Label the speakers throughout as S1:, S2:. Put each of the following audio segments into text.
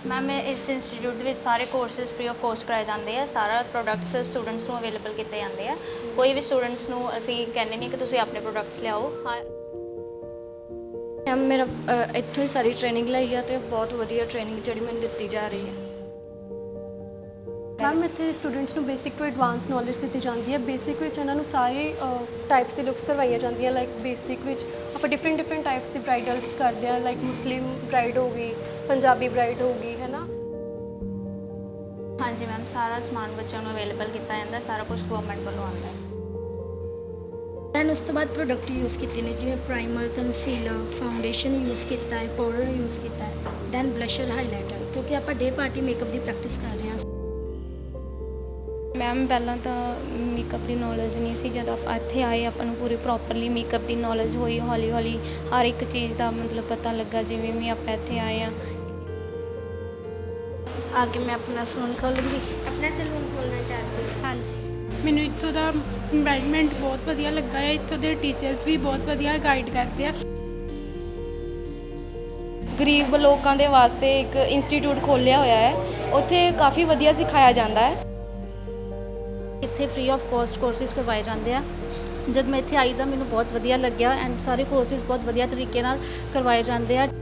S1: Ma'am इस institute के सारे कोर्सिस फ्री ऑफ कॉस्ट कराए जाते हैं। सारा प्रोडक्ट्स स्टूडेंट्स को अवेलेबल किए जाते हैं। कोई भी स्टूडेंट्स को असी कहने नहीं कि तुम अपने प्रोडक्ट्स लियाओ। हाँ
S2: मैम मेरा इत्थों ही सारी ट्रेनिंग लाई है तो बहुत वधिया ट्रेनिंग जी मैंने दी जा रही है।
S3: मैम इतने स्टूडेंट्स को बेसिक टू एडवांस नॉलेज दी जाती है। बेसिक इन्होंने सारे टाइप्स की लुक्स करवाई जाती लाइक बेसिक आप डिफरेंट टाइप्स की ब्राइडल्स करते हैं लाइक मुस्लिम ब्राइड हो गई, पंजाबी ब्राइड हो गई, है ना।
S1: हाँ जी मैम, सारा समान बच्चों को अवेलेबल किया जाता है। सारा कुछ गवर्नमेंट वालों आता है।
S4: दैन उस तो बाद प्रोडक्ट यूज़ किए ने जिवें प्राइमर, कंसीलर, फाउंडेशन यूज़ किया है, पाउडर यूज़ किया है, दैन ब्लशर, हाईलाइटर, क्योंकि आप डे पार्टी मेकअप की प्रैक्टिस कर रहे हैं।
S5: मैम पहला तो मेकअप की नॉलेज नहीं सी, जब आप इत्थे आए अपन पूरी प्रॉपरली मेकअप की नॉलेज हुई। हौली हौली हर एक चीज़ का मतलब पता लगा। जिवें भी आप इत्थे आए हैं
S2: आगे मैं अपना सलून खोलूँगी।
S4: अपना सैलून खोलना चाहती हूँ।
S2: हाँ जी,
S6: ਮੈਨੂੰ ਇੱਥੋਂ ਦਾ ਇਨਵਾਇਰਨਮੈਂਟ ਬਹੁਤ ਵਧੀਆ ਲੱਗਾ ਹੈ। ਇੱਥੋਂ ਦੇ ਟੀਚਰਸ ਵੀ ਬਹੁਤ ਵਧੀਆ ਗਾਈਡ ਕਰਦੇ ਆ।
S2: ਗਰੀਬ ਲੋਕਾਂ ਦੇ ਵਾਸਤੇ ਇੱਕ ਇੰਸਟੀਚਿਊਟ ਖੋਲ੍ਹਿਆ ਹੋਇਆ ਹੈ। ਉੱਥੇ ਕਾਫੀ ਵਧੀਆ ਸਿਖਾਇਆ ਜਾਂਦਾ ਹੈ।
S7: ਇੱਥੇ ਫ੍ਰੀ ਆਫ ਕੋਸਟ ਕੋਰਸਿਸ ਕਰਵਾਏ ਜਾਂਦੇ ਆ। ਜਦ ਮੈਂ ਇੱਥੇ ਆਈ ਤਾਂ ਮੈਨੂੰ ਬਹੁਤ ਵਧੀਆ ਲੱਗਿਆ ਐਂਡ ਸਾਰੇ ਕੋਰਸਿਸ ਬਹੁਤ ਵਧੀਆ ਤਰੀਕੇ ਨਾਲ ਕਰਵਾਏ ਜਾਂਦੇ ਆ।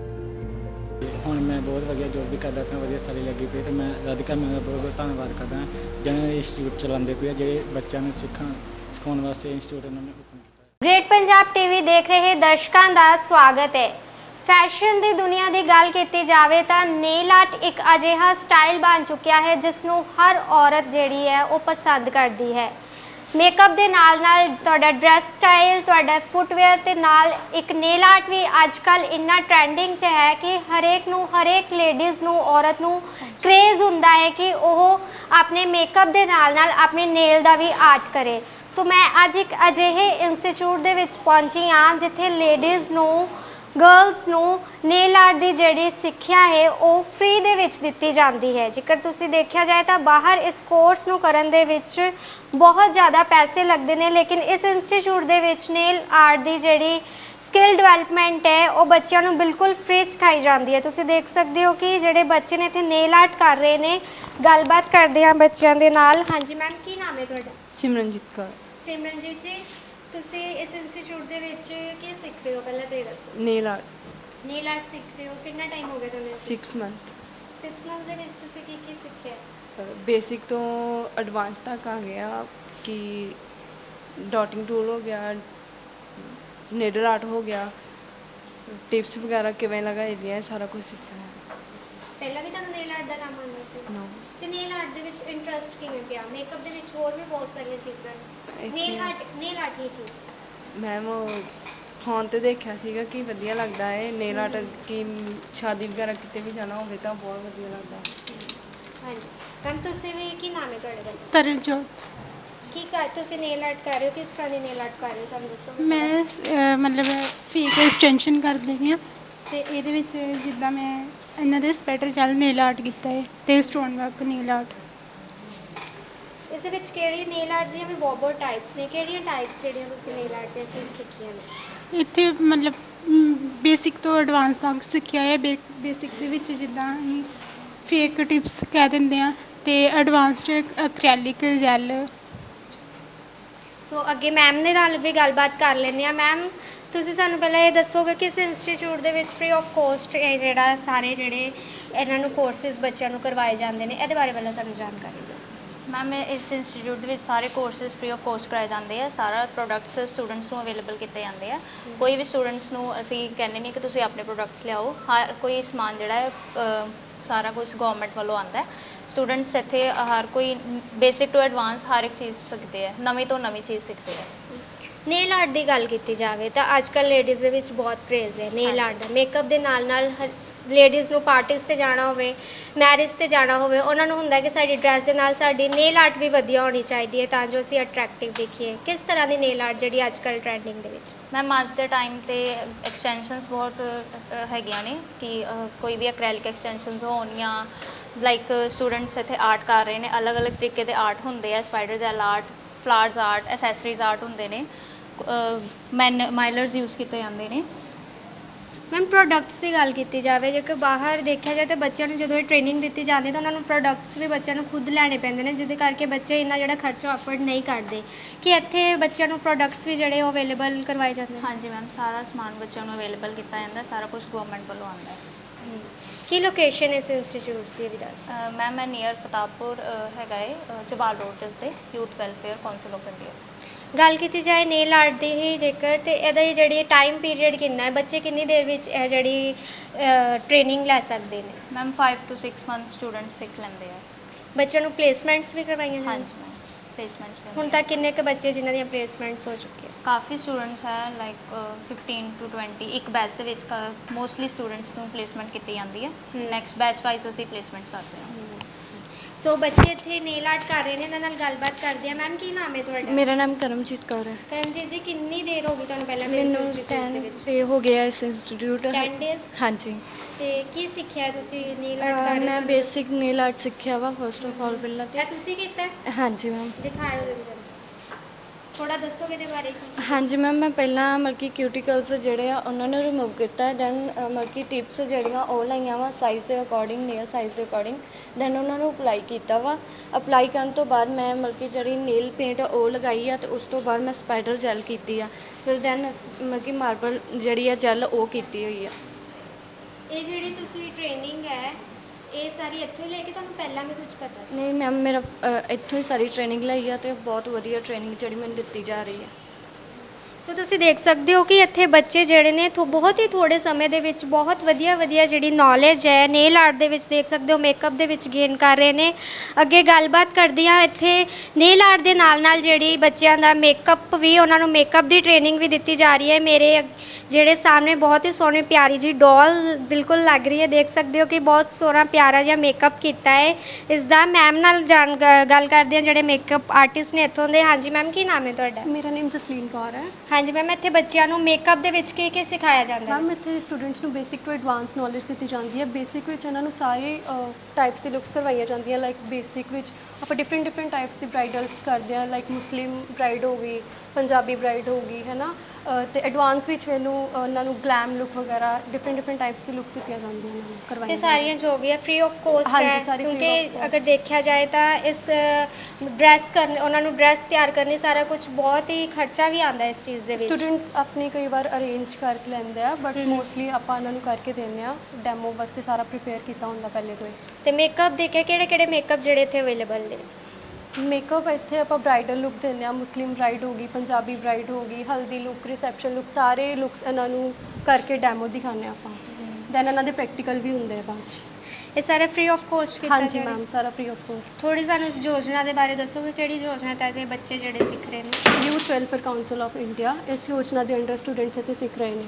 S8: ਹੁਣ ਮੈਂ ਬਹੁਤ ਵਧੀਆ ਜੋਬ ਵੀ ਕਰਦਾ ਪਿਆ, ਵਧੀਆ ਥਾਲੀ ਲੱਗੀ ਪਈ ਤੇ ਮੈਂ ਰਾਧਿਕਾ ਮੈਮ ਦਾ ਬਹੁਤ ਬਹੁਤ ਧੰਨਵਾਦ ਕਰਦਾ ਜਿਹਨਾਂ ਨੇ ਇੰਸਟੀਚਿਊਟ ਚਲਾਉਂਦੇ ਪਏ ਜਿਹੜੇ ਬੱਚਿਆਂ ਨੂੰ ਸਿਖਾਉਣ ਵਾਸਤੇ ਇੰਸਟੀਚਿਊਟ ਇਹਨਾਂ ਨੇ ਓਪਨ ਕੀਤਾ।
S9: ਗ੍ਰੇਟ ਪੰਜਾਬ ਟੀਵੀ ਦੇਖ ਰਹੇ ਦਰਸ਼ਕਾਂ ਦਾ ਸਵਾਗਤ ਹੈ। ਫੈਸ਼ਨ ਦੀ ਦੁਨੀਆ ਦੀ ਗੱਲ ਕੀਤੀ ਜਾਵੇ ਤਾਂ ਨੇਲ ਆਰਟ ਇੱਕ ਅਜਿਹਾ ਸਟਾਈਲ ਬਣ ਚੁੱਕਿਆ ਹੈ ਜਿਸ ਨੂੰ ਹਰ ਔਰਤ ਜਿਹੜੀ ਹੈ ਉਹ ਪਸੰਦ ਕਰਦੀ ਹੈ। ਮੇਕਅਪ ਦੇ ਨਾਲ ਨਾਲ ਤੁਹਾਡਾ ਡਰੈਸ ਸਟਾਈਲ, ਤੁਹਾਡਾ ਫੁੱਟਵੇਅਰ ਤੇ ਨਾਲ ਇੱਕ ਨੇਲ ਆਰਟ ਵੀ ਅੱਜ ਕੱਲ ਇੰਨਾ ਟ੍ਰੈਂਡਿੰਗ 'ਚ ਹੈ ਕਿ ਹਰੇਕ ਲੇਡੀਜ਼ ਨੂੰ, ਔਰਤ ਨੂੰ ਕ੍ਰੇਜ਼ ਹੁੰਦਾ ਹੈ ਕਿ ਉਹ ਆਪਣੇ ਮੇਕਅਪ ਦੇ ਨਾਲ ਨਾਲ ਆਪਣੇ ਨੇਲ ਦਾ ਵੀ ਆਰਟ ਕਰੇ। ਸੋ ਮੈਂ ਅੱਜ ਇੱਕ ਅਜਿਹੇ ਇੰਸਟੀਚਿਊਟ ਦੇ ਵਿੱਚ ਪਹੁੰਚੀ ਹਾਂ ਜਿੱਥੇ ਲੇਡੀਜ਼ ਨੂੰ, ਗਰਲਸ ਨੂੰ ਨੇਲ ਆਰਟ ਦੀ ਜਿਹੜੀ ਸਿੱਖਿਆ ਹੈ ਉਹ ਫ੍ਰੀ ਦੇ ਵਿੱਚ ਦਿੱਤੀ ਜਾਂਦੀ ਹੈ। ਜੇਕਰ ਤੁਸੀਂ ਦੇਖਿਆ ਜਾਏ ਤਾਂ ਬਾਹਰ ਇਸ ਕੋਰਸ ਨੂੰ ਕਰਨ ਦੇ ਵਿੱਚ ਬਹੁਤ ਜ਼ਿਆਦਾ ਪੈਸੇ ਲੱਗਦੇ ਨੇ, ਲੇਕਿਨ ਇਸ ਇੰਸਟੀਚਿਊਟ ਦੇ ਵਿੱਚ ਨੇਲ ਆਰਟ ਦੀ ਜਿਹੜੀ ਸਕਿੱਲ ਡਿਵੈਲਪਮੈਂਟ ਹੈ ਉਹ ਬੱਚਿਆਂ ਨੂੰ ਬਿਲਕੁਲ ਫ੍ਰੀ ਸਿਖਾਈ ਜਾਂਦੀ ਹੈ। ਤੁਸੀਂ ਦੇਖ ਸਕਦੇ ਹੋ ਕਿ ਜਿਹੜੇ ਬੱਚੇ ਨੇ ਇੱਥੇ ਨੇਲ ਆਰਟ ਕਰ ਰਹੇ ਨੇ। ਗੱਲਬਾਤ ਕਰਦੇ ਹਾਂ ਬੱਚਿਆਂ ਦੇ ਨਾਲ। ਹਾਂਜੀ ਮੈਮ, ਕੀ ਨਾਮ ਹੈ ਤੁਹਾਡਾ?
S2: ਸਿਮਰਨਜੀਤ ਕੌਰ।
S9: ਸਿਮਰਨਜੀਤ ਜੀ, ਤੁਸੀਂ ਇਸ ਇੰਸਟੀਚਿਊਟ ਦੇ ਵਿੱਚ ਕੀ ਸਿੱਖ ਰਹੇ ਹੋ? ਪਹਿਲਾਂ ਤੇ ਦੱਸੋ।
S2: ਨੇਲ ਆਰਟ
S9: ਨੇਲ ਆਰਟ ਸਿੱਖ ਰਹੇ ਹੋ, ਕਿੰਨਾ ਟਾਈਮ ਹੋ ਗਿਆ ਤੁਹਾਨੂੰ?
S2: 6 ਮੰਥ।
S9: 6 ਮੰਥ ਦੇ ਵਿੱਚ ਤੁਸੀਂ ਕੀ ਸਿੱਖਿਆ?
S2: ਬੇਸਿਕ ਤੋਂ ਐਡਵਾਂਸ ਤੱਕ ਆ ਗਿਆ ਕਿ ਡਾਟਿੰਗ ਟੂਲ ਹੋ ਗਿਆ, ਨੀਡਲ ਆਰਟ ਹੋ ਗਿਆ, ਟਿਪਸ ਵਗੈਰਾ ਕਿਵੇਂ ਲਗਾਈ ਦੀਆਂ, ਸਾਰਾ ਕੁਝ ਸਿੱਖਿਆ ਹੈ।
S9: ਪਹਿਲਾਂ ਵੀ ਤੁਹਾਨੂੰ ਨੇਲ ਆਰਟ ਦਾ ਕੰਮ ਆਉਂਦਾ ਸੀ?
S2: ਨੋ,
S9: ਤੇ ਨੇਲ ਆਰਟ ਦੇ ਵਿੱਚ ਇੰਟਰਸਟ ਕਿਵੇਂ ਪਿਆ? ਮੇਕਅਪ ਦੇ ਵਿੱਚ ਹੋਰ ਵੀ ਬਹੁਤ ਸਾਰੀਆਂ ਚੀਜ਼ਾਂ ਨੇ। ਨੇਲ ਆਰਟ ਹੀ ਕਿਉਂ?
S2: ਮੈਮ ਫੋਨ ਤੇ ਦੇਖਿਆ ਸੀਗਾ ਕਿ ਵਧੀਆ ਲੱਗਦਾ ਹੈ ਨੇਲ ਆਰਟ, ਕਿ ਸ਼ਾਦੀ ਵਗੈਰਾ ਕਿਤੇ ਵੀ ਜਾਣਾ ਹੋਵੇ ਤਾਂ ਬਹੁਤ ਵਧੀਆ ਲੱਗਦਾ।
S9: ਹਾਂਜੀ ਮੈਮ, ਤੁਸੀਂ ਵੀ ਕੀ ਨਾਮ ਹੈ ਤੁਹਾਡਾ?
S6: ਤਰਨਜੋਤ।
S9: ਤੁਸੀਂ ਨੇਲ ਆਰਟ ਕਰ ਰਹੇ ਹੋ, ਕਿਸ ਤਰ੍ਹਾਂ ਦੀ ਨੇਲ ਆਰਟ ਕਰ ਰਹੇ ਹੋ ਸਾਨੂੰ ਦੱਸੋ।
S6: ਮੈਂ ਮਤਲਬ ਫੇਕ ਐਕਸਟੈਂਸ਼ਨ ਕਰ ਰਹੀ ਹਾਂ ਤੇ ਇਹਦੇ ਵਿੱਚ ਜਿੱਦਾਂ ਮੈਂ ਇਹਨਾਂ ਦੇ ਸਪੈਟਰ ਚੱਲ ਨੇਲ ਆਰਟ ਕੀਤਾ ਹੈ ਤੇ ਸਟੋਨ ਵਰਕ ਨੇਲ ਆਰਟ।
S9: ਇਸ ਦੇ ਵਿੱਚ ਕਿਹੜੀ ਨੇਲ ਆਰਟ ਦੀਆਂ ਵੀ ਬਹੁਤ ਟਾਈਪਸ ਨੇ? ਕਿਹੜੀਆਂ ਟਾਈਪਸ ਜਿਹੜੀਆਂ ਤੁਸੀਂ ਨੇਲ ਆਰਟ ਦੀਆਂ ਕੀ ਸਿੱਖੀਆਂ ਨੇ?
S6: ਇੱਥੇ ਮਤਲਬ ਬੇਸਿਕ ਤੋਂ ਐਡਵਾਂਸ ਤੱਕ ਸਿੱਖਿਆ ਹੈ। ਬੇਸਿਕ ਦੇ ਵਿੱਚ ਜਿੱਦਾਂ ਅਸੀਂ ਫੇਕ ਟਿਪਸ ਕਹਿ ਦਿੰਦੇ ਆ ਤੇ ਐਡਵਾਂਸਡ ਐਕ੍ਰੈਲਿਕ ਜੈਲ।
S9: ਸੋ ਅੱਗੇ ਮੈਮ ਦੇ ਨਾਲ ਵੀ ਗੱਲਬਾਤ ਕਰ ਲੈਂਦੇ ਹਾਂ। ਮੈਮ, ਤੁਸੀਂ ਸਾਨੂੰ ਪਹਿਲਾਂ ਇਹ ਦੱਸੋਗੇ ਕਿ ਇਸ ਇੰਸਟੀਚਿਊਟ ਦੇ ਵਿੱਚ ਫ੍ਰੀ ਆਫ ਕੋਸਟ ਇਹ ਜਿਹੜਾ ਸਾਰੇ ਜਿਹੜੇ ਇਹਨਾਂ ਨੂੰ ਕੋਰਸਿਸ ਬੱਚਿਆਂ ਨੂੰ ਕਰਵਾਏ ਜਾਂਦੇ ਨੇ, ਇਹਦੇ ਬਾਰੇ ਪਹਿਲਾਂ ਸਾਨੂੰ ਜਾਣਕਾਰੀ ਦਿਓ।
S1: मैम इस इंस्टीट्यूट के सारे कोर्सिस फ्री ऑफ कॉस्ट कराए जाते हैं। सारा प्रोडक्ट्स स्टूडेंट्स को अवेलेबल किए जाते हैं। कोई भी स्टूडेंट्स को असी कहने नहीं कि तुम अपने प्रोडक्ट्स लियाओ। हर कोई समान जोड़ा है सारा कुछ गवर्नमेंट वालों आता है। स्टूडेंट्स इतने हर कोई बेसिक टू एडवांस हर एक चीज़ सीखते हैं, नवी तो नवी चीज़ सीखते हैं।
S9: ਨੇਲ ਆਰਟ ਦੀ ਗੱਲ ਕੀਤੀ ਜਾਵੇ ਤਾਂ ਅੱਜ ਕੱਲ੍ਹ ਲੇਡੀਜ਼ ਦੇ ਵਿੱਚ ਬਹੁਤ ਕ੍ਰੇਜ਼ ਹੈ ਨੇਲ ਆਰਟ ਦਾ। ਮੇਕਅਪ ਦੇ ਨਾਲ ਨਾਲ ਲੇਡੀਜ਼ ਨੂੰ ਪਾਰਟੀਜ਼ 'ਤੇ ਜਾਣਾ ਹੋਵੇ, ਮੈਰਿਜ 'ਤੇ ਜਾਣਾ ਹੋਵੇ, ਉਹਨਾਂ ਨੂੰ ਹੁੰਦਾ ਕਿ ਸਾਡੀ ਡਰੈਸ ਦੇ ਨਾਲ ਸਾਡੀ ਨੇਲ ਆਰਟ ਵੀ ਵਧੀਆ ਹੋਣੀ ਚਾਹੀਦੀ ਹੈ ਤਾਂ ਜੋ ਅਸੀਂ ਅਟਰੈਕਟਿਵ ਦਿਖੀਏ। ਕਿਸ ਤਰ੍ਹਾਂ ਦੀ ਨੇਲ ਆਰਟ ਜਿਹੜੀ ਅੱਜ ਕੱਲ੍ਹ ਟਰੈਂਡਿੰਗ ਦੇ ਵਿੱਚ?
S1: मैम अज के टाइम तो एक्सटेंशनस बहुत हैगियां ने कि कोई भी एक्रेलिक एक्सटेंशनस होन या लाइक स्टूडेंट्स इतने आर्ट कर रहे हैं। अलग अलग तरीके के आर्ट होंगे है, spider gel art, flowers art, accessories art होंगे ने, माइलर्स यूज़ किए जाते हैं।
S9: ਮੈਮ ਪ੍ਰੋਡਕਟਸ ਦੀ ਗੱਲ ਕੀਤੀ ਜਾਵੇ, ਜੇਕਰ ਬਾਹਰ ਦੇਖਿਆ ਜਾਏ ਤਾਂ ਬੱਚਿਆਂ ਨੂੰ ਜਦੋਂ ਇਹ ਟ੍ਰੇਨਿੰਗ ਦਿੱਤੀ ਜਾਂਦੀ ਤਾਂ ਉਹਨਾਂ ਨੂੰ ਪ੍ਰੋਡਕਟਸ ਵੀ ਬੱਚਿਆਂ ਨੂੰ ਖੁਦ ਲੈਣੇ ਪੈਂਦੇ ਨੇ, ਜਿਹਦੇ ਕਰਕੇ ਬੱਚੇ ਇੰਨਾ ਜਿਹੜਾ ਖਰਚਾ ਅਫੋਰਡ ਨਹੀਂ ਕਰਦੇ। ਕਿ ਇੱਥੇ ਬੱਚਿਆਂ ਨੂੰ ਪ੍ਰੋਡਕਟਸ ਵੀ ਜਿਹੜੇ ਉਹ ਅਵੇਲੇਬਲ ਕਰਵਾਏ ਜਾਂਦੇ ਨੇ?
S1: ਹਾਂਜੀ ਮੈਮ, ਸਾਰਾ ਸਮਾਨ ਬੱਚਿਆਂ ਨੂੰ ਅਵੇਲੇਬਲ ਕੀਤਾ ਜਾਂਦਾ, ਸਾਰਾ ਕੁਝ ਗਵਰਨਮੈਂਟ ਵੱਲੋਂ ਆਉਂਦਾ ਹੈ।
S9: ਕੀ ਲੋਕੇਸ਼ਨ ਇਸ ਇੰਸਟੀਚਿਊਟਸ ਦੀ ਵੀ ਦੱਸ ਦਿਓ।
S1: ਮੈਮ ਮੈਂ ਨੀਅਰ ਫਤਾਬਪੁਰ ਹੈਗਾ ਹੈ, ਜਵਾਲ ਰੋਡ ਦੇ ਉੱਤੇ, youth welfare council of India.
S9: ਗੱਲ ਕੀਤੀ ਜਾਏ ਨੇਲ ਆਰਟ ਦੀ ਹੀ ਜੇਕਰ, ਤੇ ਇਹਦਾ ਹੀ ਜਿਹੜੀ ਟਾਈਮ ਪੀਰੀਅਡ ਕਿੰਨਾ ਹੈ, ਬੱਚੇ ਕਿੰਨੀ ਦੇਰ ਵਿੱਚ ਇਹ ਜਿਹੜੀ ਟ੍ਰੇਨਿੰਗ ਲੈ ਸਕਦੇ ਨੇ?
S1: ਮੈਮ 5 to 6 ਮੰਥ ਸਟੂਡੈਂਟਸ ਸਿੱਖ ਲੈਂਦੇ ਆ।
S9: ਬੱਚਿਆਂ ਨੂੰ ਪਲੇਸਮੈਂਟਸ ਵੀ ਕਰਵਾਈਆਂ ਜਾਂਦੀਆਂ?
S1: ਹਾਂਜੀ ਮੈਮ, ਪਲੇਸਮੈਂਟਸ ਵੀ
S9: ਹੁਣ ਤੱਕ ਕਿੰਨੇ ਕੁ ਬੱਚੇ ਜਿਨ੍ਹਾਂ ਦੀਆਂ ਪਲੇਸਮੈਂਟਸ ਹੋ ਚੁੱਕੀਆਂ?
S1: ਕਾਫੀ ਸਟੂਡੈਂਟਸ ਹੈ, ਲਾਈਕ 15 to 20 ਇੱਕ ਬੈਚ ਦੇ ਵਿੱਚ ਮੋਸਟਲੀ ਸਟੂਡੈਂਟਸ ਨੂੰ ਪਲੇਸਮੈਂਟ ਕੀਤੀ ਜਾਂਦੀ ਹੈ। ਨੈਕਸਟ ਬੈਚ ਵਾਈਜ਼ ਅਸੀਂ ਪਲੇਸਮੈਂਟਸ ਕਰਦੇ ਹਾਂ।
S9: ਸੋ ਬੱਚੇ ਇੱਥੇ ਨੇਲ ਆਰਟ ਕਰ ਰਹੇ ਨੇ, ਇਹਨਾਂ ਨਾਲ ਗੱਲਬਾਤ ਕਰਦੇ ਆ। ਮੈਮ ਕੀ ਨਾਮ ਹੈ ਤੁਹਾਡਾ?
S2: ਮੇਰਾ ਨਾਮ ਕਰਮਜੀਤ ਕੌਰ ਹੈ।
S9: ਕਰਮਜੀਤ ਜੀ, ਕਿੰਨੀ ਦੇਰ ਹੋ ਗਈ ਤੁਹਾਨੂੰ ਪਹਿਲਾਂ ਦੇ
S2: ਮੈਨੂੰ
S9: ਇੰਸਟੀਚਿਊਟ ਦੇ
S2: 10
S9: ਵਿੱਚ?
S2: ਡੇ ਹੋ ਗਿਆ ਇਸ ਇੰਸਟੀਚਿਊਟ।
S9: 10 ਡੇਜ਼।
S2: ਹਾਂਜੀ।
S9: ਤੇ ਕੀ ਸਿੱਖਿਆ ਤੁਸੀਂ ਨੇਲ ਆਰਟ ਕਰ ਰਹੇ
S2: ਮੈਂ
S9: ਹੋ?
S2: ਬੇਸਿਕ ਨੇਲ ਆਰਟ ਸਿੱਖਿਆ ਵਾ ਫਸਟ ਆਫ ਆਲ ਪਹਿਲਾਂ ਤੇ।
S9: ਇਹ ਤੁਸੀਂ ਕੀਤਾ ਹੈ?
S2: ਹਾਂਜੀ ਮੈਮ।
S9: ਦਿਖਾਇਓ ਜਰਾ, ਥੋੜਾ ਦੱਸੋਗੇ ਇਹਦੇ ਬਾਰੇ?
S2: ਹਾਂਜੀ ਮੈਮ, ਮੈਂ ਪਹਿਲਾਂ ਮਤਲਬ ਕਿ ਕਿਊਟੀਕਲਸ ਜਿਹੜੇ ਆ ਉਹਨਾਂ ਨੂੰ ਰਿਮੂਵ ਕੀਤਾ, ਦੈਨ ਮਤਲਬ ਕਿ ਟਿਪਸ ਜਿਹੜੀਆਂ ਉਹ ਲਾਈਆਂ ਵਾ ਸਾਈਜ਼ ਦੇ ਅਕੋਰਡਿੰਗ, ਨੇਲ ਸਾਈਜ਼ ਦੇ ਅਕੋਰਡਿੰਗ, ਦੈਨ ਉਹਨਾਂ ਨੂੰ ਅਪਲਾਈ ਕੀਤਾ ਵਾ। ਅਪਲਾਈ ਕਰਨ ਤੋਂ ਬਾਅਦ ਮੈਂ ਮਤਲਬ ਕਿ ਜਿਹੜੀ ਨੇਲ ਪੇਂਟ ਉਹ ਲਗਾਈ ਆ, ਤੇ ਉਸ ਤੋਂ ਬਾਅਦ ਮੈਂ ਸਪਾਈਡਰ ਜੈਲ ਕੀਤੀ ਆ, ਫਿਰ ਦੈਨ ਮਤਲਬ ਕਿ ਮਾਰਬਲ ਜਿਹੜੀ ਆ ਜੈਲ ਉਹ ਕੀਤੀ ਹੋਈ ਆ।
S9: ਇਹ ਜਿਹੜੀ ਤੁਸੀਂ ਟ੍ਰੇਨਿੰਗ ਹੈ ਇਹ ਸਾਰੀ ਇੱਥੋਂ ਹੀ ਲੈ ਕੇ ਤੁਹਾਨੂੰ ਪਹਿਲਾਂ ਵੀ ਕੁਝ ਪਤਾ ਸੀ?
S2: ਨਹੀਂ ਮੈਮ, ਮੇਰਾ ਇੱਥੋਂ ਹੀ ਸਾਰੀ ਟ੍ਰੇਨਿੰਗ ਲਈ ਆ, ਤੇ ਬਹੁਤ ਵਧੀਆ ਟ੍ਰੇਨਿੰਗ ਜਿਹੜੀ ਮੈਨੂੰ ਦਿੱਤੀ ਜਾ ਰਹੀ ਹੈ।
S9: ਸੋ ਤੁਸੀਂ ਦੇਖ ਸਕਦੇ ਹੋ ਕਿ ਇੱਥੇ ਬੱਚੇ ਜਿਹੜੇ ਨੇ ਬਹੁਤ ਹੀ ਥੋੜੇ ਸਮੇਂ ਦੇ ਵਿੱਚ ਬਹੁਤ ਵਧੀਆ ਜਿਹੜੀ ਨੌਲੇਜ ਹੈ ਨੇਲ ਆਰਟ ਦੇ ਵਿੱਚ ਦੇਖ ਸਕਦੇ ਹੋ, ਮੇਕਅਪ ਦੇ ਵਿੱਚ ਗੇਨ ਕਰ ਰਹੇ ਨੇ। ਅੱਗੇ ਗੱਲਬਾਤ ਕਰਦੀ ਹਾਂ, ਇੱਥੇ ਨੇਲ ਆਰਟ ਦੇ ਨਾਲ ਜਿਹੜੀ ਬੱਚਿਆਂ ਦਾ ਮੇਕਅਪ ਵੀ, ਉਹਨਾਂ ਨੂੰ ਮੇਕਅਪ ਦੀ ਟ੍ਰੇਨਿੰਗ ਵੀ ਦਿੱਤੀ ਜਾ ਰਹੀ ਹੈ। ਮੇਰੇ ਜਿਹੜੇ ਸਾਹਮਣੇ ਬਹੁਤ ਹੀ ਸੋਹਣੀ ਪਿਆਰੀ ਜੀ ਡੋਲ ਬਿਲਕੁਲ ਲੱਗ ਰਹੀ ਹੈ, ਦੇਖ ਸਕਦੇ ਹੋ ਕਿ ਬਹੁਤ ਸੋਹਣਾ ਪਿਆਰਾ ਜਿਹਾ ਮੇਕਅਪ ਕੀਤਾ ਹੈ ਇਸ ਦਾ। ਮੈਮ ਨਾਲ ਗੱਲ ਕਰਦੇ ਹਾਂ ਜਿਹੜੇ ਮੇਕਅਪ ਆਰਟਿਸਟ ਨੇ ਇੱਥੋਂ ਦੇ। ਹਾਂਜੀ ਮੈਮ, ਕੀ ਨਾਮ ਹੈ ਤੁਹਾਡਾ?
S3: ਮੇਰਾ ਨੇਮ ਜਸਲੀਨ ਕੌਰ ਹੈ।
S9: ਹਾਂਜੀ ਮੈਮ, ਇੱਥੇ ਬੱਚਿਆਂ ਨੂੰ ਮੇਕਅਪ ਦੇ ਵਿੱਚ ਕੀ ਸਿਖਾਇਆ ਜਾਂਦਾ ਹੈ?
S3: ਮੈਮ ਇੱਥੇ ਸਟੂਡੈਂਟਸ ਨੂੰ ਬੇਸਿਕ ਤੋਂ ਐਡਵਾਂਸ ਨੌਲੇਜ ਦਿੱਤੀ ਜਾਂਦੀ ਹੈ। ਬੇਸਿਕ ਵਿੱਚ ਇਹਨਾਂ ਨੂੰ ਸਾਰੇ ਟਾਈਪਸ ਦੀ ਲੁੱਕਸ ਕਰਵਾਈਆਂ ਜਾਂਦੀਆਂ। ਲਾਈਕ ਬੇਸਿਕ ਵਿੱਚ ਆਪਾਂ ਡਿਫਰੈਂਟ ਟਾਈਪਸ ਦੀ ਬ੍ਰਾਈਡਲਸ ਕਰਦੇ ਹਾਂ, ਲਾਈਕ ਮੁਸਲਿਮ ਬ੍ਰਾਈਡ ਹੋ ਗਈ, ਪੰਜਾਬੀ ਬ੍ਰਾਈਡ ਹੋ ਗਈ, ਹੈ ਨਾ। ਤੇ ਐਡਵਾਂਸ ਵਿੱਚ ਮੈਨੂੰ ਉਹਨਾਂ ਨੂੰ ਗਲੈਮ ਲੁੱਕ ਵਗੈਰਾ ਡਿਫਰੈਂਟ ਟਾਈਪਸ ਦੀ ਲੁੱਕ ਦਿੱਤੀਆਂ ਜਾਂਦੀਆਂ ਉਹਨਾਂ ਨੂੰ ਕਰਵਾਈਆਂ।
S9: ਇਹ ਸਾਰੀਆਂ ਜੋ ਵੀ ਹੈ ਫ੍ਰੀ ਆਫ ਕੋਸਟ
S3: ਹਾਂਜੀ,
S9: ਹੈ,
S3: ਸਾਰੀ free of
S9: ਕਿਉਂਕਿ
S3: cost।
S9: ਅਗਰ ਦੇਖਿਆ ਜਾਏ ਤਾਂ ਇਸ ਡਰੈਸ ਕਰਨ, ਉਹਨਾਂ ਨੂੰ ਡਰੈਸ ਤਿਆਰ ਕਰਨੀ ਸਾਰਾ ਕੁਝ ਬਹੁਤ ਹੀ ਖਰਚਾ ਵੀ ਆਉਂਦਾ ਇਸ ਚੀਜ਼ ਦੇ ਵਿੱਚ।
S3: ਸਟੂਡੈਂਟਸ ਆਪਣੇ ਕਈ ਵਾਰ ਅਰੇਂਜ ਕਰਕੇ ਲੈਂਦੇ ਆ, ਬਟ ਮੋਸਟਲੀ ਆਪਾਂ ਉਹਨਾਂ ਨੂੰ ਕਰਕੇ ਦਿੰਦੇ ਆ। ਡੈਮੋ ਵਾਸਤੇ ਸਾਰਾ ਪ੍ਰੀਪੇਅਰ ਕੀਤਾ ਹੁੰਦਾ ਪਹਿਲੇ ਤੋਂ ਹੀ।
S9: ਤੇ ਮੇਕਅਪ ਦੇਖਿਆ ਕਿਹੜੇ ਮੇਕਅਪ ਜਿਹੜੇ ਇੱਥੇ ਅਵੇਲੇਬਲ ਨੇ?
S3: ਮੇਕਅਪ ਇੱਥੇ ਆਪਾਂ ਬ੍ਰਾਈਡਲ ਲੁੱਕ ਦਿੰਦੇ ਆ, ਮੁਸਲਿਮ ਬ੍ਰਾਈਡ ਹੋ ਗਈ, ਪੰਜਾਬੀ ਬ੍ਰਾਈਡ ਹੋ ਗਈ, ਹਲਦੀ ਲੁੱਕ, ਰਿਸੈਪਸ਼ਨ ਲੁੱਕ, ਸਾਰੇ ਲੁੱਕਸ ਇਹਨਾਂ ਨੂੰ ਕਰਕੇ ਡੈਮੋ ਦਿਖਾਉਂਦੇ ਆਪਾਂ। ਦੈਨ ਇਹਨਾਂ ਦੇ ਪ੍ਰੈਕਟੀਕਲ ਵੀ ਹੁੰਦੇ ਆ ਬਾਅਦ 'ਚ।
S9: ਇਹ ਸਾਰਾ ਫ੍ਰੀ ਆਫ ਕੋਸਟ ਕੀਤਾ
S3: ਹਾਂਜੀ
S9: ਜਾ ਰਿਹਾ?
S3: ਮੈਮ, ਸਾਰਾ ਫ੍ਰੀ ਆਫ ਕੋਸਟ।
S9: ਥੋੜੀ ਸਾਨੂੰ ਇਸ ਯੋਜਨਾ ਦੇ ਬਾਰੇ ਦੱਸੋਗੇ, ਕਿਹੜੀ ਯੋਜਨਾ ਤਹਿਤ ਇਹ ਬੱਚੇ ਜਿਹੜੇ ਸਿੱਖ ਰਹੇ ਨੇ?
S3: Youth welfare council of India, ਇਸ ਯੋਜਨਾ ਦੇ ਅੰਡਰ ਸਟੂਡੈਂਟਸ ਇੱਥੇ ਸਿੱਖ ਰਹੇ ਨੇ।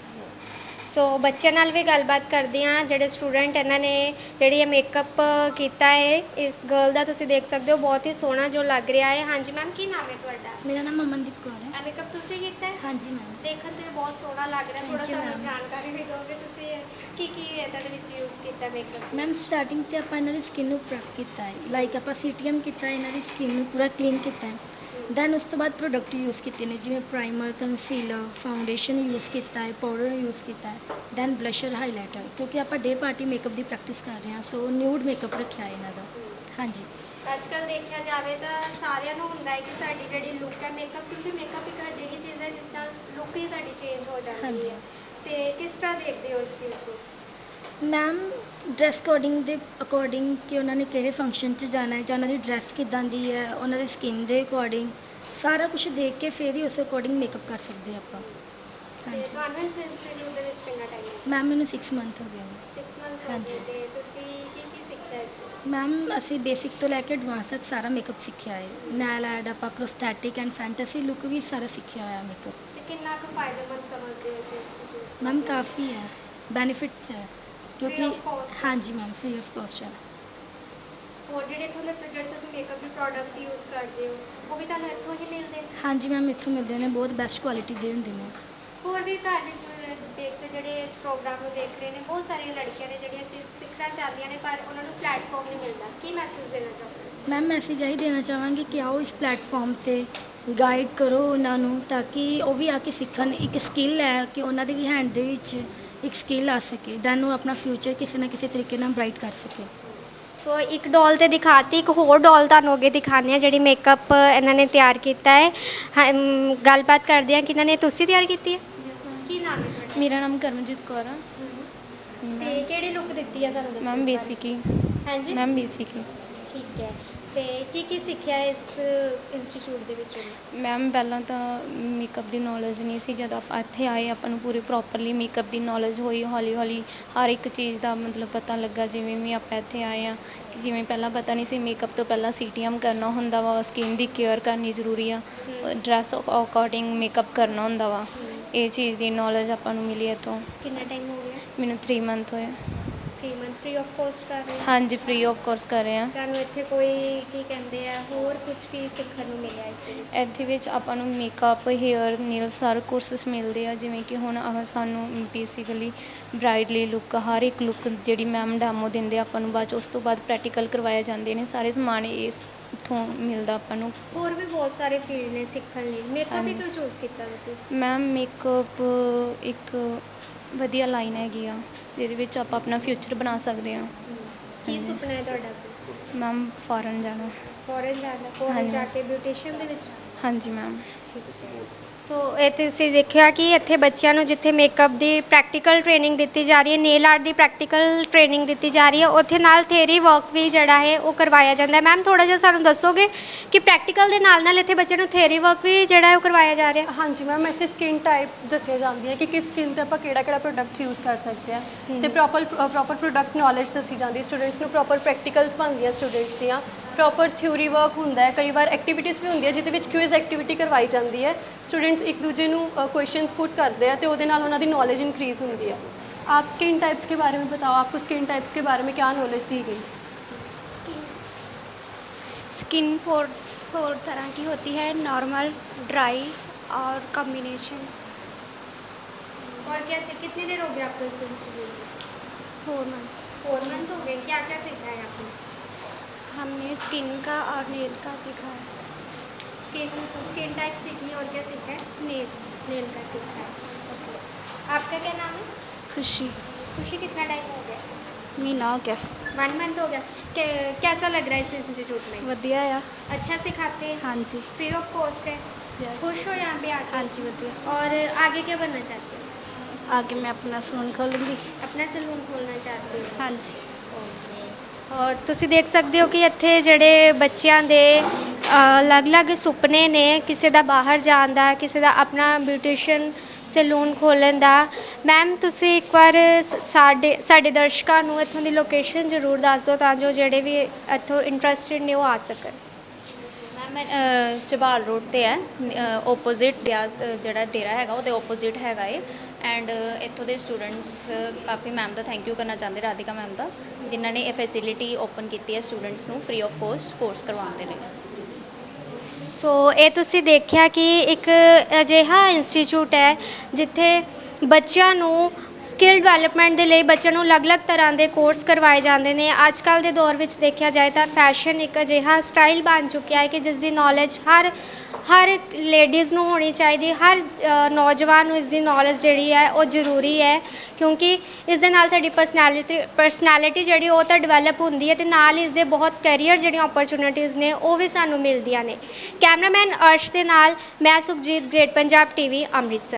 S9: ਸੋ ਬੱਚਿਆਂ ਨਾਲ ਵੀ ਗੱਲਬਾਤ ਕਰਦੇ ਹਾਂ, ਜਿਹੜੇ ਸਟੂਡੈਂਟ ਇਹਨਾਂ ਨੇ ਜਿਹੜੀ ਇਹ ਮੇਕਅਪ ਕੀਤਾ ਹੈ। ਇਸ ਗਰਲ ਦਾ ਤੁਸੀਂ ਦੇਖ ਸਕਦੇ ਹੋ, ਬਹੁਤ ਹੀ ਸੋਹਣਾ ਜੋ ਲੱਗ ਰਿਹਾ ਹੈ। ਹਾਂਜੀ ਮੈਮ, ਕੀ ਨਾਮ ਹੈ ਤੁਹਾਡਾ?
S4: ਮੇਰਾ ਨਾਮ ਅਮਨਦੀਪ ਕੌਰ ਹੈ।
S9: ਇਹ ਮੇਕਅਪ ਤੁਸੀਂ ਕੀਤਾ ਹੈ?
S4: ਹਾਂਜੀ ਮੈਮ।
S9: ਦੇਖਣ ਤੇ ਬਹੁਤ ਸੋਹਣਾ ਲੱਗ ਰਿਹਾ। ਥੋੜਾ
S4: Thank you,
S9: ਸਾਨੂੰ
S4: ma'am।
S9: ਜਾਣਕਾਰੀ ਵੀ ਦਿਓਗੇ ਤੁਸੀਂ ਕੀ ਇਹਦੇ ਵਿੱਚ ਯੂਜ਼ ਕੀਤਾ ਮੇਕਅਪ?
S4: ਮੈਮ ਸਟਾਰਟਿੰਗ ਤੇ ਆਪਾਂ ਇਹਨਾਂ ਦੀ ਸਕਿਨ ਨੂੰ ਪ੍ਰੈਪ ਕੀਤਾ ਹੈ, ਲਾਈਕ ਆਪਾਂ ਸੀਟੀਐਮ ਕੀਤਾ ਹੈ, ਇਹਨਾਂ ਦੀ ਸਕਿਨ ਨੂੰ ਪੂਰਾ ਕਲੀਨ ਕੀਤਾ ਹੈ। ਦੈਨ ਉਸ ਤੋਂ ਬਾਅਦ ਪ੍ਰੋਡਕਟ ਯੂਜ਼ ਕੀਤੇ ਨੇ, ਜਿਵੇਂ ਪ੍ਰਾਈਮਰ, ਕੰਸੀਲਰ, ਫਾਊਂਡੇਸ਼ਨ ਯੂਜ਼ ਕੀਤਾ ਹੈ, ਪਾਊਡਰ ਯੂਜ਼ ਕੀਤਾ ਹੈ, ਦੈਨ ਬਲਸ਼ਰ, ਹਾਈਲਾਈਟਰ, ਕਿਉਂਕਿ ਆਪਾਂ ਡੇ ਪਾਰਟੀ ਮੇਕਅਪ ਦੀ ਪ੍ਰੈਕਟਿਸ ਕਰ ਰਹੇ ਹਾਂ, ਸੋ ਨਿਊਡ ਮੇਕਅਪ ਰੱਖਿਆ ਹੈ ਇਹਨਾਂ ਦਾ। ਹਾਂਜੀ।
S9: ਅੱਜ ਕੱਲ੍ਹ ਦੇਖਿਆ ਜਾਵੇ ਤਾਂ ਸਾਰਿਆਂ ਨੂੰ ਹੁੰਦਾ ਹੈ ਕਿ ਸਾਡੀ ਜਿਹੜੀ ਲੁੱਕ ਹੈ ਮੇਕਅਪ, ਕਿਉਂਕਿ ਮੇਕਅਪ ਇੱਕ ਅਜਿਹੀ ਚੀਜ਼ ਹੈ ਜਿਸ ਨਾਲ ਲੁੱਕ ਹੀ ਸਾਡੀ ਚੇਂਜ ਹੋ ਜਾਂਦੀ
S4: ਹਾਂਜੀ।
S9: ਹੈ। ਤੇ ਕਿਸ ਤਰ੍ਹਾਂ ਦੇਖਦੇ ਹੋ ਇਸ ਚੀਜ਼ ਨੂੰ?
S4: ਮੈਮ ਡਰੈਸ ਕੋਡਿੰਗ ਦੇ ਅਕੋਰਡਿੰਗ ਕਿ ਉਹਨਾਂ ਨੇ ਕਿਹੜੇ ਫੰਕਸ਼ਨ 'ਚ ਜਾਣਾ ਹੈ ਜਾਂ ਉਹਨਾਂ ਦੀ ਡਰੈਸ ਕਿੱਦਾਂ ਦੀ ਹੈ, ਉਹਨਾਂ ਦੀ ਸਕਿਨ ਦੇ ਅਕੋਰਡਿੰਗ ਸਾਰਾ ਕੁਝ ਦੇਖ ਕੇ ਫਿਰ ਹੀ ਉਸ ਅਕੋਰਡਿੰਗ ਮੇਕਅਪ ਕਰ ਸਕਦੇ ਆਪਾਂ।
S9: ਤੇ
S4: ਹਾਂਜੀ
S9: ਤੁਹਾਨੂੰ ਇਸ ਇੰਸਟੀਚਿਊਟ ਦੇ ਵਿੱਚ ਕਿੰਨਾ ਟਾਈਮ ਹੈ?
S4: ਮੈਮ, ਮੈਨੂੰ 6 ਮੰਥ ਹੋ ਗਏ ਨੇ।
S9: 6 ਮੰਥਸ ਹੋ
S4: ਹਾਂਜੀ।
S9: ਗਏ। ਤੇ ਤੁਸੀਂ ਕੀ ਸਿੱਖਿਆ ਇਸ ਤੋਂ?
S4: ਮੈਮ ਅਸੀਂ ਬੇਸਿਕ ਤੋਂ ਲੈ ਕੇ ਐਡਵਾਂਸ ਤੱਕ ਸਾਰਾ ਮੇਕਅਪ ਸਿੱਖਿਆ ਹੈ। ਨੈਲ ਆਰਟ, ਆਪਾਂ ਪ੍ਰੋਸਥੈਟਿਕ ਐਂਡ ਫੈਂਟਸੀ ਲੁੱਕ ਵੀ ਸਾਰਾ ਸਿੱਖਿਆ ਹੋਇਆ ਮੇਕਅਪ।
S9: ਤੇ ਕਿੰਨਾ ਕੁ ਫਾਇਦੇਮੰਦ ਸਮਝਦੇ ਹੋ ਇਸ ਇੰਸਟੀਚਿਊਟ?
S4: ਮੈਮ ਕਾਫੀ ਹੈ, ਬੈਨੀਫਿਟਸ ਹੈ ਕਿਉਂਕਿ
S9: of cost?
S4: ਹਾਂਜੀ ਮੈਮ, ਫ੍ਰੀ ਆਫ ਕਾਸਟ ਹੈ।
S9: ਹੋਰ ਜਿਹੜੇ ਇੱਥੋਂ ਦੇ ਜਿਹੜੇ ਤੁਸੀਂ ਮੇਕਅਪ ਦੇ ਪ੍ਰੋਡਕਟ ਯੂਜ਼ ਕਰਦੇ ਹੋ ਉਹ ਵੀ ਤੁਹਾਨੂੰ ਇੱਥੋਂ ਹੀ ਮਿਲਦੇ ਨੇ?
S4: ਹਾਂਜੀ ਮੈਮ, ਇੱਥੋਂ ਮਿਲਦੇ ਨੇ, ਬਹੁਤ ਬੈਸਟ ਕੁਆਲਿਟੀ ਦੇ ਹੁੰਦੇ ਨੇ।
S9: ਹੋਰ ਵੀ ਘਰ ਵਿੱਚ ਦੇਖਦੇ ਜਿਹੜੇ ਇਸ ਪ੍ਰੋਗਰਾਮ ਨੂੰ ਦੇਖ ਰਹੇ ਨੇ, ਬਹੁਤ ਸਾਰੀਆਂ ਲੜਕੀਆਂ ਨੇ ਜਿਹੜੀਆਂ ਚੀਜ਼ ਸਿੱਖਣਾ ਚਾਹੁੰਦੀਆਂ ਨੇ ਪਰ ਉਹਨਾਂ ਨੂੰ ਪਲੇਟਫਾਰਮ ਨਹੀਂ ਮਿਲਦਾ। ਕੀ ਮੈਸੇਜ ਦੇਣਾ ਚਾਹੋਗੇ?
S4: ਮੈਮ ਮੈਸੇਜ ਆਹੀ ਦੇਣਾ ਚਾਹਾਂਗੀ ਕਿ ਆਓ ਇਸ ਪਲੇਟਫਾਰਮ ਤੇ ਗਾਈਡ ਕਰੋ ਉਹਨਾਂ ਨੂੰ, ਤਾਂ ਕਿ ਉਹ ਵੀ ਆ ਕੇ ਸਿੱਖਣ। ਇੱਕ ਸਕਿੱਲ ਹੈ ਕਿ ਉਹਨਾਂ ਦੇ ਵੀ ਹੈਂਡ ਦੇ ਵਿੱਚ ਇੱਕ ਸਕਿੱਲ ਆ ਸਕੇ ਦੈਨ ਉਹ ਆਪਣਾ ਫਿਊਚਰ ਕਿਸੇ ਨਾ ਕਿਸੇ ਤਰੀਕੇ ਨਾਲ ਬ੍ਰਾਈਟ ਕਰ ਸਕੇ।
S9: ਸੋ ਇੱਕ ਡੋਲ ਤੇ ਦਿਖਾਤੀ, ਇੱਕ ਹੋਰ ਡੋਲ ਤੁਹਾਨੂੰ ਅੱਗੇ ਦਿਖਾਉਂਦੇ ਆ ਜਿਹੜੀ ਮੇਕਅਪ ਇਹਨਾਂ ਨੇ ਤਿਆਰ ਕੀਤਾ ਹੈ। ਗੱਲਬਾਤ ਕਰਦੇ ਆ ਕਿ ਇਹਨਾਂ ਨੇ ਤੁਸੀਂ ਤਿਆਰ ਕੀਤੀ ਹੈ? ਕੀ ਨਾਮ ਹੈ ਤੁਹਾਡਾ?
S5: ਮੇਰਾ ਨਾਮ ਕਰਮਜੀਤ ਕੌਰ ਆ
S9: ਤੇ ਕਿਹੜੀ ਲੁੱਕ ਦਿੱਤੀ ਹੈ ਸਾਨੂੰ ਦੱਸੋ?
S5: ਮੈਮ ਬੇਸਿਕ ਹੀ
S9: ਹਾਂਜੀ
S5: ਮੈਮ ਬੇਸਿਕ ਹੀ
S9: ਠੀਕ ਹੈ। ਤੇ ਕੀ ਸਿੱਖਿਆ ਇਸ ਇੰਸਟੀਚਿਊਟ ਦੇ ਵਿੱਚ?
S5: ਮੈਮ ਪਹਿਲਾਂ ਤਾਂ ਮੇਕਅਪ ਦੀ ਨੌਲੇਜ ਨਹੀਂ ਸੀ, ਜਦ ਆਪਾਂ ਇੱਥੇ ਆਏ ਆਪਾਂ ਨੂੰ ਪੂਰੀ ਪ੍ਰੋਪਰਲੀ ਮੇਕਅਪ ਦੀ ਨੌਲੇਜ ਹੋਈ, ਹੌਲੀ ਹੌਲੀ ਹਰ ਇੱਕ ਚੀਜ਼ ਦਾ ਮਤਲਬ ਪਤਾ ਲੱਗਾ। ਜਿਵੇਂ ਵੀ ਆਪਾਂ ਇੱਥੇ ਆਏ ਆ ਕਿ ਜਿਵੇਂ ਪਹਿਲਾਂ ਪਤਾ ਨਹੀਂ ਸੀ ਮੇਕਅਪ ਤੋਂ ਪਹਿਲਾਂ CTM ਕਰਨਾ ਹੁੰਦਾ ਵਾ, ਸਕਿਨ ਦੀ ਕੇਅਰ ਕਰਨੀ ਜ਼ਰੂਰੀ ਆ, ਡਰੈਸ ਅਕੋਰਡਿੰਗ ਮੇਕਅਪ ਕਰਨਾ ਹੁੰਦਾ ਵਾ, ਇਹ ਚੀਜ਼ ਦੀ ਨੌਲੇਜ ਆਪਾਂ ਨੂੰ ਮਿਲੀ ਇੱਥੋਂ।
S9: ਕਿੰਨਾ ਟਾਈਮ ਹੋ ਗਿਆ?
S5: ਮੈਨੂੰ 3 ਮੰਥ ਹੋਏ।
S9: 3 ਮੰਥ ਫ੍ਰੀ ਆਫ ਕੋਸਟ ਕਰ ਰਹੇ ਹੋ?
S5: ਹਾਂਜੀ ਫ੍ਰੀ ਆਫ ਕੋਰਸ ਕਰ ਰਹੇ ਆ।
S9: ਤੁਹਾਨੂੰ ਇੱਥੇ ਕੋਈ ਕੀ ਕਹਿੰਦੇ ਆ ਹੋਰ ਕੁਝ ਕੀ ਸਿੱਖਣ ਨੂੰ ਮਿਲਿਆ ਇਸ ਦੇ ਵਿੱਚ?
S5: ਇੱਥੇ ਵਿੱਚ ਆਪਾਂ ਨੂੰ ਮੇਕਅਪ, ਹੇਅਰ, ਨੇਲ ਸਾਰੇ ਕੋਰਸਿਸ ਮਿਲਦੇ ਆ। ਜਿਵੇਂ ਕਿ ਹੁਣ ਸਾਨੂੰ ਬੇਸਿਕਲੀ ਬ੍ਰਾਈਡਲੀ ਲੁੱਕ, ਹਰ ਇੱਕ ਲੁੱਕ ਜਿਹੜੀ ਮੈਮ ਡੈਮੋ ਦਿੰਦੇ ਆ ਆਪਾਂ ਨੂੰ, ਬਾਅਦ 'ਚ ਉਸ ਤੋਂ ਬਾਅਦ ਪ੍ਰੈਕਟੀਕਲ ਕਰਵਾਏ ਜਾਂਦੇ ਨੇ। ਸਾਰੇ ਸਮਾਨ ਇਸ ਇੱਥੋਂ ਮਿਲਦਾ ਆਪਾਂ ਨੂੰ।
S9: ਹੋਰ ਵੀ ਬਹੁਤ ਸਾਰੇ ਫੀਲਡ ਨੇ ਸਿੱਖਣ ਲਈ, ਮੇਕਅਪ ਹੀ ਕਿਉਂ ਚੂਜ਼ ਕੀਤਾ ਤੁਸੀਂ?
S5: ਮੈਮ ਮੇਕਅਪ ਇੱਕ ਵਧੀਆ ਲਾਈਨ ਹੈਗੀ ਆ ਜਿਹਦੇ ਵਿੱਚ ਆਪਾਂ ਆਪਣਾ ਫਿਊਚਰ ਬਣਾ ਸਕਦੇ ਹਾਂ।
S9: ਕੀ ਸੁਪਨਾ ਹੈ ਤੁਹਾਡਾ?
S5: ਮੈਮ ਫੋਰਨ ਜਾਣਾ।
S9: ਫੋਰਨ ਜਾਣਾ? ਫੋਰਨ ਜਾ ਕੇ ਬਿਊਟੀਸ਼ੀਅਨ ਦੇ ਵਿੱਚ?
S5: ਹਾਂਜੀ ਮੈਮ।
S9: ਸੋ ਇਹ ਤੁਸੀਂ ਦੇਖਿਆ ਕਿ ਇੱਥੇ ਬੱਚਿਆਂ ਨੂੰ ਜਿੱਥੇ ਮੇਕਅਪ ਦੀ ਪ੍ਰੈਕਟੀਕਲ ਟ੍ਰੇਨਿੰਗ ਦਿੱਤੀ ਜਾ ਰਹੀ ਹੈ, ਨੇਲ ਆਰਟ ਦੀ ਪ੍ਰੈਕਟੀਕਲ ਟ੍ਰੇਨਿੰਗ ਦਿੱਤੀ ਜਾ ਰਹੀ ਹੈ, ਉੱਥੇ ਨਾਲ ਥਿਊਰੀ ਵਰਕ ਵੀ ਜਿਹੜਾ ਹੈ ਉਹ ਕਰਵਾਇਆ ਜਾਂਦਾ ਹੈ। ਮੈਮ ਥੋੜਾ ਜਿਹਾ ਸਾਨੂੰ ਦੱਸੋਗੇ ਕਿ ਪ੍ਰੈਕਟੀਕਲ ਦੇ ਨਾਲ ਇੱਥੇ ਬੱਚਿਆਂ ਨੂੰ ਥਿਊਰੀ ਵਰਕ ਵੀ ਜਿਹੜਾ ਹੈ ਉਹ ਕਰਵਾਇਆ ਜਾ ਰਿਹਾ?
S3: ਹਾਂਜੀ ਮੈਮ, ਇੱਥੇ ਸਕਿਨ ਟਾਈਪ ਦੱਸਿਆ ਜਾਂਦੀ ਹੈ ਕਿ ਕਿਸ ਸਕਿਨ ਤੇ ਆਪਾਂ ਕਿਹੜਾ ਪ੍ਰੋਡਕਟ ਯੂਜ਼ ਕਰ ਸਕਦੇ ਹਾਂ, ਤੇ ਪ੍ਰੋਪਰ ਪ੍ਰੋਡਕਟ ਨੌਲੇਜ ਦੱਸੀ ਜਾਂਦੀ ਹੈ ਸਟੂਡੈਂਟਸ ਨੂੰ। ਪ੍ਰੋਪਰ ਪ੍ਰੈਕਟੀਕਲਸ ਬਣਦੀਆਂ ਸਟੂਡੈਂਟਸ ਦੀਆਂ, ਪ੍ਰੋਪਰ ਥਿਊਰੀ ਵਰਕ ਹੁੰਦਾ ਹੈ। ਕਈ ਵਾਰ ਐਕਟੀਵਿਟੀਜ਼ ਵੀ ਹੁੰਦੀ ਹੈ ਜਿਹਦੇ ਵਿੱਚ ਕੁਇਜ਼ ਐਕਟੀਵਿਟੀ ਕਰਵਾਈ ਜਾਂਦੀ ਹੈ। स्टूडेंट्स एक दूसरे ਨੂੰ क्वेश्चंस पुट करते हैं तो ਉਹਦੇ ਨਾਲ ਉਹਨਾਂ ਦੀ नॉलेज इंक्रीज़ होती है। आप स्किन टाइप्स के बारे में बताओ, आपको स्किन टाइप्स के बारे में क्या नॉलेज दी गई?
S10: स्किन फोर तरह की होती है, नॉर्मल, ड्राई और कॉम्बिनेशन।
S9: और कैसे कितनी देर हो गई आपको इस इंस्टीट्यूट में?
S10: 4 मंथ।
S9: 4 मंथ हो गए। क्या क्या सीखा है आपने?
S10: हमने स्किन का और नेल का सीखा है।
S9: स्किन टाइप सीखी और क्या सीखा है? नेल का सीखा है। ओके, आपका क्या नाम है?
S10: खुशी।
S9: खुशी, कितना टाइम हो गया?
S10: महीना हो गया।
S9: 1 मंथ हो गया। कैसा लग रहा है इस इंस्टीट्यूट में?
S10: वधिया आ।
S9: अच्छा सिखाते हैं?
S10: हाँ जी।
S9: फ्री ऑफ कॉस्ट है?
S10: यस।
S9: खुश हो यहाँ पे आके?
S10: हाँ जी वधिया।
S9: और आगे क्या बनना चाहते हो?
S10: आगे मैं अपना सलून खोलूँगी।
S9: अपना सलून खोलना चाहते हो?
S10: हाँ जी।
S9: ਔਰ ਤੁਸੀਂ ਦੇਖ ਸਕਦੇ ਹੋ ਕਿ ਇੱਥੇ ਜਿਹੜੇ ਬੱਚਿਆਂ ਦੇ ਅਲੱਗ-ਅਲੱਗ ਸੁਪਨੇ ਨੇ, ਕਿਸੇ ਦਾ ਬਾਹਰ ਜਾਣ ਦਾ, ਕਿਸੇ ਦਾ ਆਪਣਾ ਬਿਊਟੀਸ਼ੀਅਨ ਸੈਲੂਨ ਖੋਲ੍ਹਣ ਦਾ। ਮੈਮ ਤੁਸੀਂ ਇੱਕ ਵਾਰ ਸਾਡੇ ਦਰਸ਼ਕਾਂ ਨੂੰ ਇੱਥੋਂ ਦੀ ਲੋਕੇਸ਼ਨ ਜ਼ਰੂਰ ਦੱਸ ਦਿਓ ਤਾਂ ਜੋ ਜਿਹੜੇ ਵੀ ਇੱਥੋਂ ਇੰਟਰਸਟਿਡ ਨੇ ਉਹ ਆ ਸਕਣ।
S1: ਮੈਂ ਚਬਾਲ ਰੋਡ ਤੇ ਹੈ, ਓਪੋਜ਼ਿਟ ਬਿਆਸ ਜਿਹੜਾ ਡੇਰਾ ਹੈਗਾ ਉਹਦੇ ਓਪੋਜ਼ਿਟ ਹੈਗਾ ਏ। ਐਂਡ ਇੱਥੋਂ ਦੇ ਸਟੂਡੈਂਟਸ ਕਾਫੀ ਮੈਮ ਦਾ ਥੈਂਕ ਯੂ ਕਰਨਾ ਚਾਹੁੰਦੇ, ਰਾਧਿਕਾ ਮੈਮ ਦਾ, ਜਿਨ੍ਹਾਂ ਨੇ ਇਹ ਫੈਸਿਲਿਟੀ ਓਪਨ ਕੀਤੀ ਹੈ ਸਟੂਡੈਂਟਸ ਨੂੰ ਫ੍ਰੀ ਆਫ ਕੋਸਟ ਕੋਰਸ ਕਰਵਾਉਣ ਦੇ ਲਈ।
S9: ਸੋ ਇਹ ਤੁਸੀਂ ਦੇਖਿਆ ਕਿ ਇੱਕ ਅਜਿਹਾ ਇੰਸਟੀਚਿਊਟ ਹੈ ਜਿੱਥੇ ਬੱਚਿਆਂ ਨੂੰ ਸਕਿੱਲ ਡਿਵੈਲਪਮੈਂਟ ਦੇ ਲਈ ਬੱਚਿਆਂ ਨੂੰ ਅਲੱਗ-ਅਲੱਗ ਤਰ੍ਹਾਂ ਦੇ ਕੋਰਸ ਕਰਵਾਏ ਜਾਂਦੇ ਨੇ। ਅੱਜ ਕੱਲ੍ਹ ਦੇ ਦੌਰ ਵਿੱਚ ਦੇਖਿਆ ਜਾਏ ਤਾਂ ਫੈਸ਼ਨ ਇੱਕ ਅਜਿਹਾ ਸਟਾਈਲ ਬਣ ਚੁੱਕਿਆ ਹੈ ਕਿ ਜਿਸ ਦੀ ਨੌਲੇਜ ਹਰ ਲੇਡੀਜ਼ ਨੂੰ ਹੋਣੀ ਚਾਹੀਦੀ, ਹਰ ਨੌਜਵਾਨ ਨੂੰ ਇਸ ਦੀ ਨੌਲੇਜ ਜਿਹੜੀ ਹੈ ਉਹ ਜ਼ਰੂਰੀ ਹੈ, ਕਿਉਂਕਿ ਇਸ ਦੇ ਨਾਲ ਸਾਡੀ ਪਰਸਨੈਲਿਟੀ ਜਿਹੜੀ ਉਹ ਤਾਂ ਡਿਵੈਲਪ ਹੁੰਦੀ ਹੈ ਤੇ ਨਾਲ ਇਸ ਦੇ ਬਹੁਤ ਕੈਰੀਅਰ ਜਿਹੜੀਆਂ ਓਪਰਚੁਨਿਟੀਜ਼ ਨੇ ਉਹ ਵੀ ਸਾਨੂੰ ਮਿਲਦੀਆਂ ਨੇ। ਕੈਮਰਾਮੈਨ ਅਰਸ਼ ਦੇ ਨਾਲ ਮੈਂ ਸੁਖਜੀਤ, ਗ੍ਰੇਟ ਪੰਜਾਬ TV, ਅੰਮ੍ਰਿਤਸਰ।